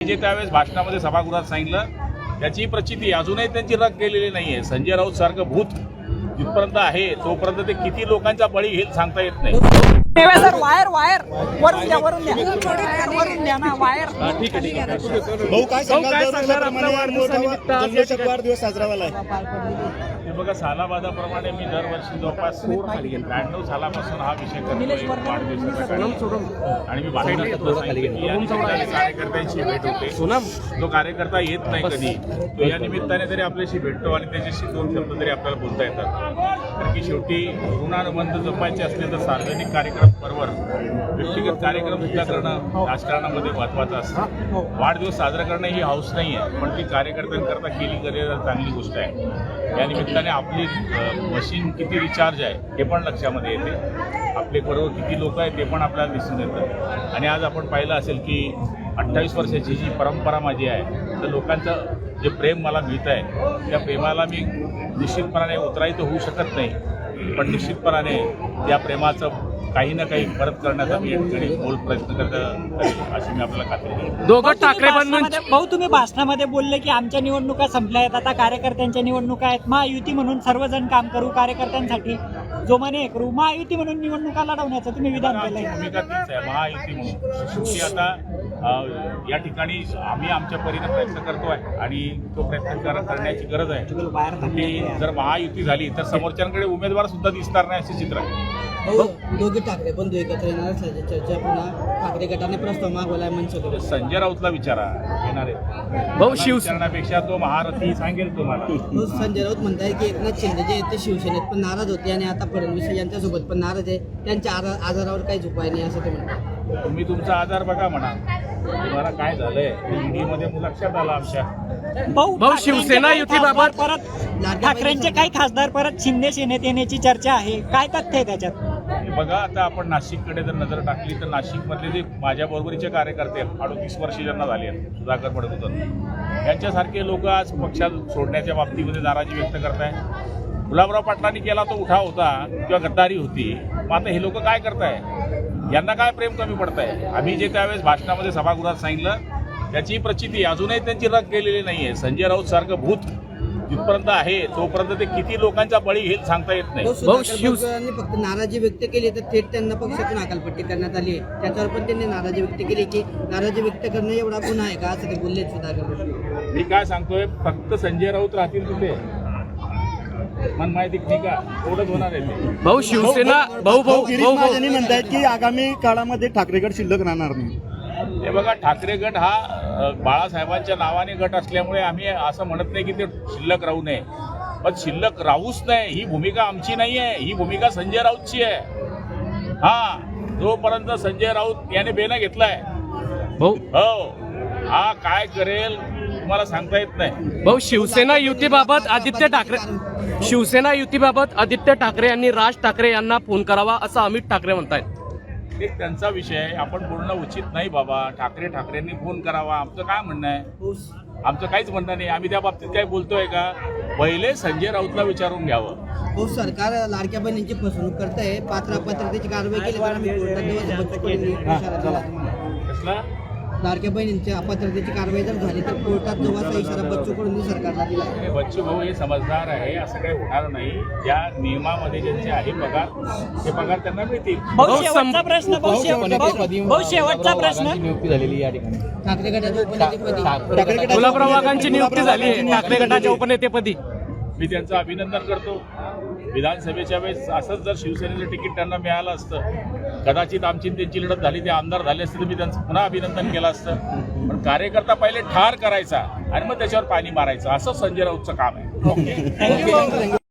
जे त्यावेळेस भाषणामध्ये सभागृहात सांगितलं त्याची प्रचिती अजूनही त्यांची रग गेलेली नाहीये. संजय राऊत सारखं भूत जिथपर्यंत आहे तोपर्यंत ते किती लोकांचा बळी घेईल सांगता येत नाही. सर वायर वायर वरून द्या वरून द्या ना वायर. ठीक आहे. भाऊ काय सांगाल वाढदिवस साजरा झाला आहे? हे बघा, सालाबादाप्रमाणे मी दरवर्षी जवळपास 92 सालापासून हा विषय करतोय वाढदिवसाचा कार्यक्रम. आणि मी कार्यकर्त्यांशी भेट होते. तो कार्यकर्ता येत नाही कधी, तो या निमित्ताने तरी आपल्याशी भेटतो आणि त्याच्याशी दोन शब्द तरी आपल्याला बोलता येतात. कारण की शेवटी ऋणानुबंध जपायचे असले तर सार्वजनिक कार्यक्रम बरोबर व्यक्तिगत कार्यक्रम सुद्धा करणं राजकारणामध्ये महत्त्वाचं असतं. वाढदिवस साजरा करणं ही हौस नाही आहे, पण ती कार्यकर्त्यांकरता केली गेलेली चांगली गोष्ट आहे. या निमित्ताने आपली मशीन किती रिचार्ज आहे हे पण लक्षामध्ये येते. आपले बरोबर किती लोक आहेत ते पण आपल्याला दिसून येतं. आणि आज आपण पाहिलं असेल की 28 वर्षाची जी परंपरा माझी आहे, तर लोकांचं जे प्रेम मला मिळत आहे त्या प्रेमाला मी निश्चितपणाने उतराई तर होऊ शकत नाही, पण निश्चितपणाने त्या प्रेमाचं काही ना काही परत करण्याचा मी बोल प्रयत्न करत अशी मी आपल्याला खात्री देतो. दोघं ठाकरे भाऊ तुम्ही भाषणामध्ये बोलले की आमच्या निवडणुका संपल्या आहेत, आता कार्यकर्त्यांच्या निवडणुका आहेत. महायुती म्हणून सर्वजण काम करू, कार्यकर्त्यांसाठी जोमाने करू, महायुती म्हणून निवडणुका लढवण्याचं तुम्ही विधान केलंय. भूमिका तीच आहे महायुती म्हणून. शेवटी आता या ठिकाणी आम्ही आमच्या परीने प्रयत्न करतोय आणि तो प्रयत्न करण्याची गरज आहे. की जर महायुती झाली तर समोरच्यांकडे उमेदवार सुद्धा दिसणार नाही असे चित्र आहे. दोघे ठाकरे पण एकत्र येणार असल्याची चर्चा पुन्हा ठाकरे गटाने प्रस्ताव मागवलाय मनसे. संजय राऊतला विचारा, येणार आहे भाऊ. शिवसेनेपेक्षा तो महारथी सांगेल तुम्हाला. संजय राऊत म्हणताय की एकनाथ शिंदे जे ते शिवसेनेत पण नाराज होते आणि आता फडणवीस यांच्यासोबत पण नाराज आहे, त्यांच्या आजारावर काहीच उपाय नाही असं ते म्हणतात. तुम्ही तुमचा आजार बघा म्हणा. तुम्हाला काय झालंय ईडीमध्ये लक्षात आलं आमच्या. भाऊ शिवसेना युतीबाबत परत ठाकरेंचे काही खासदार परत शिंदे सेनेत येण्याची चर्चा आहे, काय तथ्य आहे त्याच्यात? हे बघा, आता आपण नाशिककडे जर नजर टाकली तर नाशिकमधले जे माझ्या बरोबरीचे कार्यकर्ते 38 वर्ष ज्यांना झाली आहेत, सुधाकर पडकुतर यांच्यासारखे लोक आज पक्षात सोडण्याच्या बाबतीमध्ये नाराजी व्यक्त करताय. गुलाबराव पाटलांनी केला तो उठाव होता किंवा गद्दारी होती. मग आता हे लोक काय करताय? यांना काय प्रेम कमी पडतंय? आम्ही जे त्यावेळेस भाषणामध्ये सभागृहात सांगितलं त्याची प्रचिती अजूनही त्यांची रग गेलेली नाहीये. संजय राऊत सारखं भूत जिथपर्यंत आहे तोपर्यंत ते किती लोकांचा बळी घेईल सांगता येत नाही. शिवसेनेने फक्त नाराजी व्यक्त केली तर थेट त्यांना पक्षातून हकालपट्टी करण्यात आली आहे. त्याच्यावर पण त्यांनी नाराजी व्यक्त केली की नाराजी व्यक्त करणं एवढा गुन्हा आहे का असं ते बोलले सुधाकर. मी काय सांगतोय, फक्त संजय राऊत राहतील तिथे मन माहिती ठीक आहे, एवढंच होणार आहे ते. भाऊ शिवसेना भाऊ म्हणतायत की आगामी काळामध्ये ठाकरे गट शिल्लक राहणार नाही. हे बघा, ठाकरे गट हा बाळासाहेबांच्या नावाने गट असल्यामुळे आम्ही असं म्हणत नाही की ते शिल्लक राहू नये, पण शिल्लक राहूच नाही ही भूमिका आमची नाही आहे, ही भूमिका संजय राऊतची आहे. हा, जोपर्यंत संजय राऊत याने बेना घेतलाय हो, हा काय करेल तुम्हाला सांगता येत नाही. भाऊ शिवसेना युतीबाबत आदित्य ठाकरे यांनी राज ठाकरे यांना फोन करावा असं अमित ठाकरे म्हणतायत. एक त्यांचा विषय आहे, आपण बोलणं उचित नाही बाबा. ठाकरेंनी फोन करावा आमचं काय म्हणणं आहे? आमचं काहीच म्हणणं नाही. आम्ही त्या बाबतीत काय बोलतोय का? पहिले संजय राऊतला विचारून घ्यावं. हो, सरकार लाडक्या बहिणींची फसवणूक करताय, पात्रतेची कारवाई केली तर आम्ही कसला लाडक्या बहिणींच्या अपात्रतेची कारवाई जर झाली तर कोर्टात जवळचा इशारा बच्चू कडूंनी सरकारला दिला. बच्चू भाऊ हे समजदार आहे, असं काही होणार नाही. ज्या नियमामध्ये ज्यांचे आहे पगार ते पगार त्यांना मिळतील. शेवटचा प्रश्न नियुक्ती झालेली या ठिकाणी ठाकरे गटाच्या उपनेतेपदी गुलाबराव वाघांची नियुक्ती झाली ठाकरे गटाच्या उपनेतेपदी. मी त्यांचं अभिनंदन करतो. विधानसभेच्या वेळेस असंच जर शिवसेनेचं तिकीट त्यांना मिळालं असतं, कदाचित आमची त्यांची लढत झाली, ते आमदार झाले असते तर मी त्यांचं पुन्हा अभिनंदन केलं असतं. पण कार्यकर्ता पहिले ठार करायचा आणि मग त्याच्यावर पाणी मारायचं, असं संजय राऊतचं काम आहे. ओके.